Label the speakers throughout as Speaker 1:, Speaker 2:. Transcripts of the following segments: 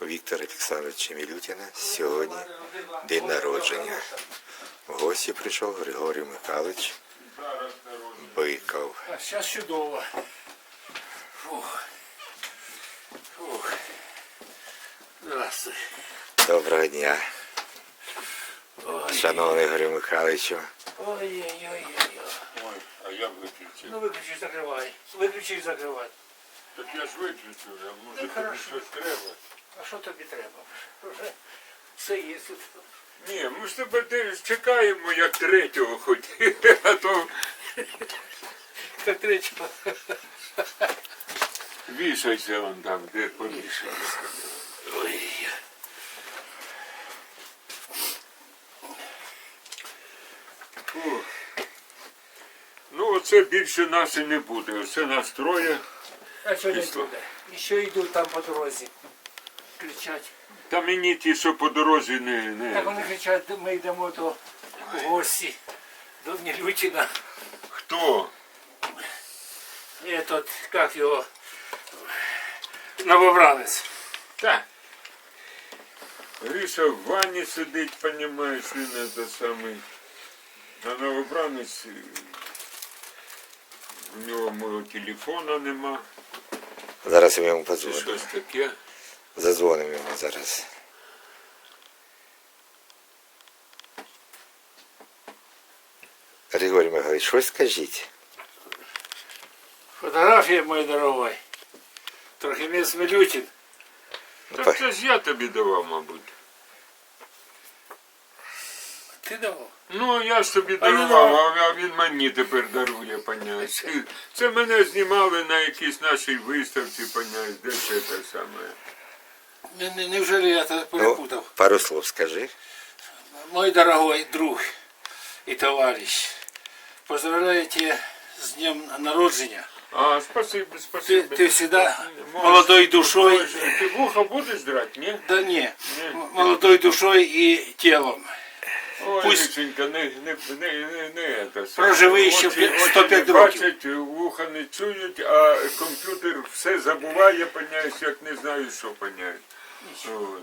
Speaker 1: Віктора Олександровича Мілютіна сьогодні день народження. В гості прийшов Григорій Михайлович Биков.
Speaker 2: А зараз чудово. Фух. Фух. Здравствуй.
Speaker 1: Доброго дня,
Speaker 2: Ой.
Speaker 1: шановний Григорій Михайловичу.
Speaker 2: Ой-ой-ой.
Speaker 3: Ой, а я виключив.
Speaker 2: Ну виключи, закривай. Виключи і закривай.
Speaker 3: Так я ж виключив, а може тобі
Speaker 2: хорошо.
Speaker 3: щось треба?
Speaker 2: А що тобі треба? Вже все є тут.
Speaker 3: Ні, ми ж тебе чекаємо як третього хоч, а то
Speaker 2: Як третього.
Speaker 3: вішайся вон там, де повішайся.
Speaker 2: Ой.
Speaker 3: Фу. Ну оце більше нас і не буде, оце нас троє.
Speaker 2: А що не
Speaker 3: Пішло.
Speaker 2: буде? І що йдуть там по дорозі? Кричать.
Speaker 3: Та мені ті, що по дорозі
Speaker 2: Так
Speaker 3: не...
Speaker 2: вони кричать, ми йдемо до гості, до Мілютіна.
Speaker 3: Хто?
Speaker 2: Этот, как його, новобранець.
Speaker 3: Так. Гриша в ванні сидить, понімаєш, він це самий. А новобранець, у нього мого телефона нема.
Speaker 1: Зараз я йому
Speaker 3: Чи
Speaker 1: подзвоню.
Speaker 3: щось таке.
Speaker 1: Задзвонимо йому зараз. Григорій Михайлович, щось скажіть.
Speaker 2: Фотографія, мой дорогой. Трохимець Мілютін.
Speaker 3: Так це ж я тобі давав, мабуть.
Speaker 2: Ти давав?
Speaker 3: Ну, я ж тобі
Speaker 2: А він
Speaker 3: дарував, а він мені тепер дарує, поняєш. Це мене знімали на якійсь нашій виставці, поняєш, де це те саме.
Speaker 2: Неужели я це
Speaker 1: Ну,
Speaker 2: перепутав?
Speaker 1: пару слов скажи.
Speaker 2: Мой дорогой друг и товарищ, поздравляю тебя с днем народжения.
Speaker 3: А, спасибо,
Speaker 2: Ты,
Speaker 3: спасибо.
Speaker 2: ты всегда
Speaker 3: Можешь-
Speaker 2: молодой душой,
Speaker 3: Ти вуха будеш драти, ні?
Speaker 2: да не, молодой душой и телом.
Speaker 3: Ой,
Speaker 2: Пусть-
Speaker 3: Ліченька, не це.
Speaker 2: Проживи ще
Speaker 3: Очі
Speaker 2: 105
Speaker 3: не
Speaker 2: років.
Speaker 3: бачать, вуха не чують, а комп'ютер все забуває, поняєш, як не знаю, що поняєш. От.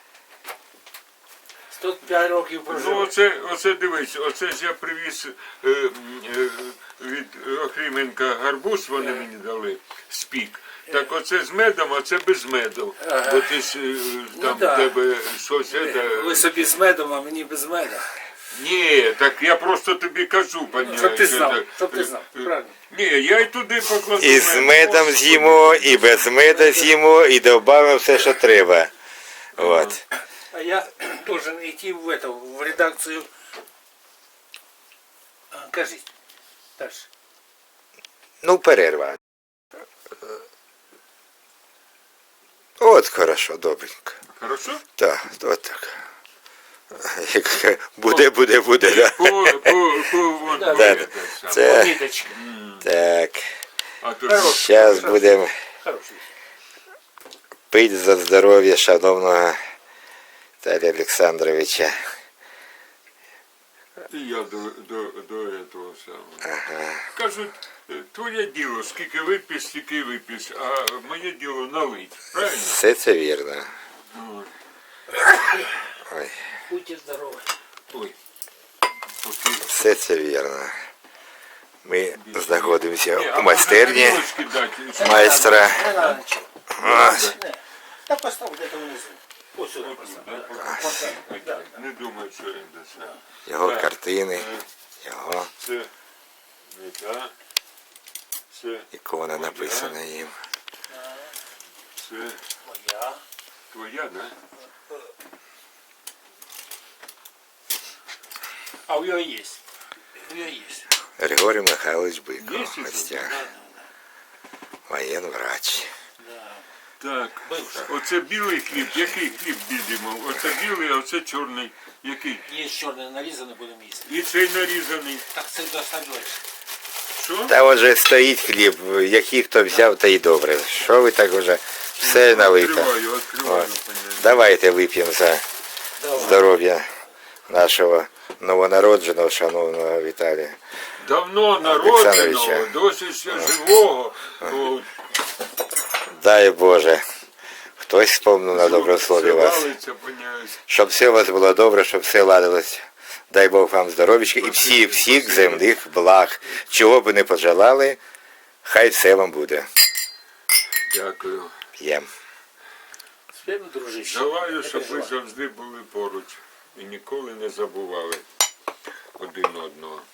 Speaker 2: 105 років
Speaker 3: Ну,
Speaker 2: прожив.
Speaker 3: оце дивись, оце ж я привіз від Охріменка гарбуз, вони мені дали, спік. Так оце з медом, а це без меду.
Speaker 2: Ага.
Speaker 3: Бо ти ж там
Speaker 2: да.
Speaker 3: в тебе щось.
Speaker 2: Ви собі з медом, а мені без меда.
Speaker 3: Ні, так я просто тобі кажу, пані.
Speaker 2: Щоб ти знав, щоб ти знав, правильно.
Speaker 3: Ні, я й туди покладу.
Speaker 1: І з медом з'їмо, і без меда з'їмо, і додамо все, що треба. От.
Speaker 2: А я должен идти в редакцию. Кажіть. Дальше.
Speaker 1: Ну, перерва. От хорошо, добренько.
Speaker 3: Хорошо?
Speaker 1: Так, от так. Як буде, да.
Speaker 3: Вон,
Speaker 2: Да,
Speaker 1: Да,
Speaker 3: це саме.
Speaker 1: Це,
Speaker 2: Ниточка.
Speaker 1: так.
Speaker 3: А то
Speaker 2: Хорош.
Speaker 1: Зараз будемо
Speaker 2: Хороший.
Speaker 1: пити за здоров'я шановного Віталія Олександровича.
Speaker 3: і я до того самого. Кажуть, твоє діло, скільки вип'єш, стільки вип'єш, а моє діло налить. Правильно?
Speaker 1: Все це вірно.
Speaker 3: Ну,
Speaker 1: Ой,
Speaker 2: Будьте здоровы.
Speaker 3: ой. Поки.
Speaker 1: все це вірно. Ми знаходимося
Speaker 3: Ні, а
Speaker 1: у майстерні
Speaker 3: можна тарілочки дати?
Speaker 1: майстра.
Speaker 2: Не надо ничего.
Speaker 1: Ось.
Speaker 2: Не. Да поставь где-то внизу. Вот сюда поставь.
Speaker 3: Не думаю, що він дасть.
Speaker 1: Його
Speaker 3: Так.
Speaker 1: картини, його
Speaker 3: Це не та. Це,
Speaker 1: ікона написана їм.
Speaker 3: це
Speaker 2: Моя.
Speaker 3: твоя, да?
Speaker 2: А у нее есть. У нее есть.
Speaker 1: Григорій Михайлович Биков,
Speaker 3: Є
Speaker 1: в
Speaker 3: ще
Speaker 1: гостях. Воєнврач.
Speaker 3: Так,
Speaker 2: Бивший.
Speaker 3: оце білий хліб. Який хліб бідемо? Оце білий, а оце чорний. Який?
Speaker 2: Есть черный нарезанный, будем есть.
Speaker 3: І цей нарізаний.
Speaker 2: Так це достаешь.
Speaker 3: Що?
Speaker 1: Та отже стоїть хліб, який хто взяв, та й добре. Що ви так уже все налито?
Speaker 3: Відкриваю,
Speaker 1: От.
Speaker 3: понятно.
Speaker 1: Давайте вип'ємо за здоров'я нашого новонародженого, шановного Віталія.
Speaker 3: Давно народженого,
Speaker 1: Олександровича.
Speaker 3: досі ще живого. От.
Speaker 1: Дай Боже, хто хтось спомнив на доброслові вас.
Speaker 3: Валиться, поняєш.
Speaker 1: Щоб все у вас було добре, щоб все ладилось. Дай Бог вам здоров'ячка і всіх земних благ. Чого б не пожелали, хай все вам буде.
Speaker 3: Дякую.
Speaker 1: П'єм.
Speaker 2: Співно, дружище.
Speaker 3: Желаю,
Speaker 2: Не
Speaker 3: щоб ви
Speaker 2: переживай.
Speaker 3: завжди були поруч і ніколи не забували один одного.